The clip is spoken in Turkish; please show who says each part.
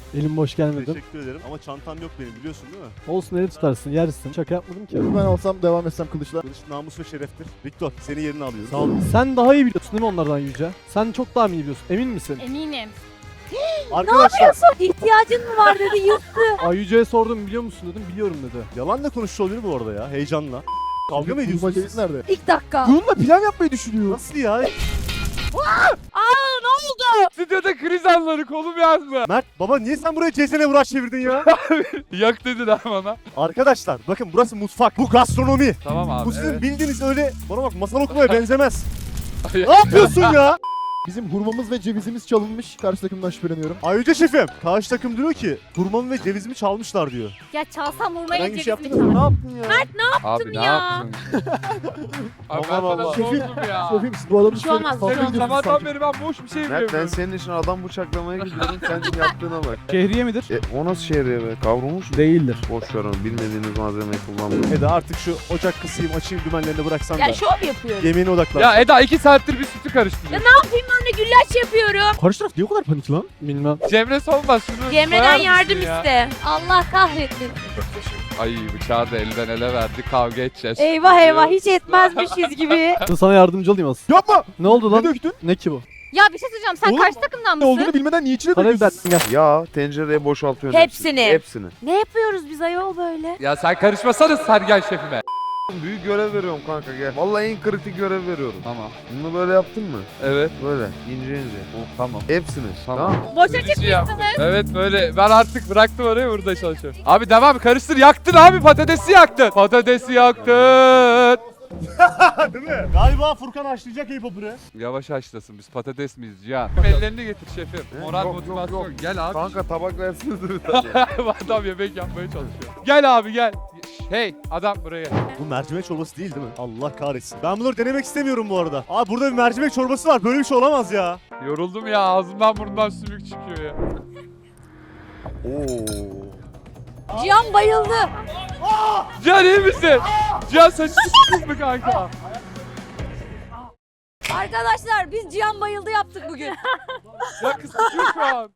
Speaker 1: Elim boş gelmedim.
Speaker 2: Teşekkür ederim ama çantam yok benim biliyorsun değil mi?
Speaker 1: Olsun, eli tutarsın, yersin. Şaka yapmadım ki.
Speaker 3: Ben olsam devam etsem kılıçla.
Speaker 2: Kılıç namus ve şereftir. Victor seni yerine alıyorum.
Speaker 1: Sağ ol. Sen daha iyi biliyorsun değil mi onlardan Yüce? Sen çok daha iyi biliyorsun. Emin misin?
Speaker 4: Eminim.
Speaker 2: Arkadaşlar
Speaker 4: İhtiyacın mı var dedi yırttı.
Speaker 1: Ay Yüce'ye sordum, biliyor musun dedim. Biliyorum dedi.
Speaker 2: yalanla konuşuyor olabilir bu arada ya heyecanla. Kavga mı ediyorsunuz
Speaker 3: Ceviz
Speaker 2: siz?
Speaker 3: nerede?
Speaker 4: İlk dakika.
Speaker 3: Bununla plan yapmayı düşünüyor.
Speaker 2: Nasıl ya?
Speaker 5: Stüdyoda kriz anları kolum yandı.
Speaker 2: Mert baba niye sen buraya CS'ne vurak çevirdin ya?
Speaker 5: Yak dediler bana.
Speaker 2: Arkadaşlar bakın burası mutfak. Bu gastronomi.
Speaker 5: Tamam abi.
Speaker 2: Bu sizin
Speaker 5: evet.
Speaker 2: bildiğiniz öyle bana bak masal okumaya benzemez. Ne yapıyorsun ya?
Speaker 3: Bizim hurmamız ve cevizimiz çalınmış. Karşı takımdan şüpheleniyorum.
Speaker 2: Ayrıca şefim karşı takım diyor ki hurmamı ve cevizimi çalmışlar diyor.
Speaker 4: Ya çalsam vurmaya
Speaker 2: Herhangi bir şey
Speaker 4: cevizimi
Speaker 2: yaptın mı?
Speaker 4: çal.
Speaker 2: Ne yaptın ya?
Speaker 5: Abi ne
Speaker 4: ya?
Speaker 5: yaptın? Abi ben
Speaker 2: Allah
Speaker 5: sana
Speaker 2: Allah.
Speaker 5: sordum ya.
Speaker 3: Şefim siz bu adamı
Speaker 4: Bir şey olmaz,
Speaker 3: fazla
Speaker 4: bir şey olmaz.
Speaker 3: gidiyorsunuz
Speaker 5: Sabahtan
Speaker 3: sanki.
Speaker 5: beri ben boş bir şey
Speaker 6: Mert ben
Speaker 5: yapıyorum.
Speaker 6: senin için adam bıçaklamaya gidiyorum. Sen yaptığına bak.
Speaker 1: Şehriye midir?
Speaker 6: O nasıl şehriye be? Kavrulmuş mu?
Speaker 1: Değildir.
Speaker 6: Boş ver onu. Bilmediğiniz malzemeyi kullanmayın.
Speaker 2: Eda artık şu ocak kısayım açayım dümenlerini bıraksan da.
Speaker 4: Ya şov yapıyorum.
Speaker 2: Yemeğine odaklan.
Speaker 5: Ya Eda 2 saattir bir sütü karıştırıyor.
Speaker 4: Ben de güllaç yapıyorum.
Speaker 3: Karşı taraf niye o kadar panik lan?
Speaker 1: Bilmem.
Speaker 5: Cemre Solmaz şunu koyar
Speaker 4: Cemre'den
Speaker 5: mısın
Speaker 4: yardım
Speaker 5: ya?
Speaker 4: iste. Allah kahretsin.
Speaker 5: Ay bıçağı da elden ele verdi, kavga edeceğiz.
Speaker 4: Eyvah eyvah hiç etmezmişiz gibi.
Speaker 1: Dur sana yardımcı olayım aslında.
Speaker 3: Yapma!
Speaker 1: Ne oldu
Speaker 3: Ne
Speaker 1: lan?
Speaker 3: döktün?
Speaker 1: Ne ki bu?
Speaker 4: Ya bir şey söyleyeceğim. Sen
Speaker 3: Oğlum,
Speaker 4: karşı takımdan
Speaker 3: Ne
Speaker 4: mısın?
Speaker 3: olduğunu bilmeden niye içine
Speaker 1: Karabiber
Speaker 3: döküyorsun?
Speaker 1: gel.
Speaker 6: Ya tencereye boşaltıyorsun.
Speaker 4: Hepsini.
Speaker 6: Hepsini.
Speaker 4: Ne yapıyoruz biz ayol böyle?
Speaker 5: Ya sen karışmasana Sergen şefime.
Speaker 6: Büyük görev veriyorum kanka gel. Vallahi en kritik görev veriyorum.
Speaker 5: Tamam.
Speaker 6: Bunu böyle yaptın mı?
Speaker 5: Evet.
Speaker 6: Böyle ince ince.
Speaker 5: Tamam.
Speaker 6: Hepsini.
Speaker 5: Tamam.
Speaker 6: Tamam.
Speaker 4: Boşa
Speaker 5: Birinci
Speaker 4: çıkmışsınız.
Speaker 5: yaptım. Evet böyle ben artık bıraktım orayı burada çalışıyorum. Abi devam karıştır yaktın abi patatesi yaktın. Patatesi yaktın.
Speaker 2: Değil mi? Galiba Furkan haşlayacak hip hop'u.
Speaker 5: Yavaş haşlasın biz patates miyiz Cihan? Ellerini getir şefim. Moral
Speaker 6: Yok,
Speaker 5: motivasyon.
Speaker 6: yok.
Speaker 5: Gel abi.
Speaker 6: Kanka tabak verseniz bir tane.
Speaker 5: Adam yemek yapmaya çalışıyor. Gel abi gel. Hey adam buraya.
Speaker 2: Bu mercimek çorbası değil mi? Allah kahretsin. Ben bunları denemek istemiyorum bu arada. Abi burada bir mercimek çorbası var. Böyle bir şey olamaz ya.
Speaker 5: Yoruldum ya ağzımdan burnumdan sümük çıkıyor ya.
Speaker 6: Oo.
Speaker 4: Cihan bayıldı.
Speaker 5: Cihan iyi misin? Cihan saçını sıkmış mı kanka?
Speaker 4: Arkadaşlar biz Cihan bayıldı yaptık bugün.
Speaker 5: Ya kız sıkıyor şu an.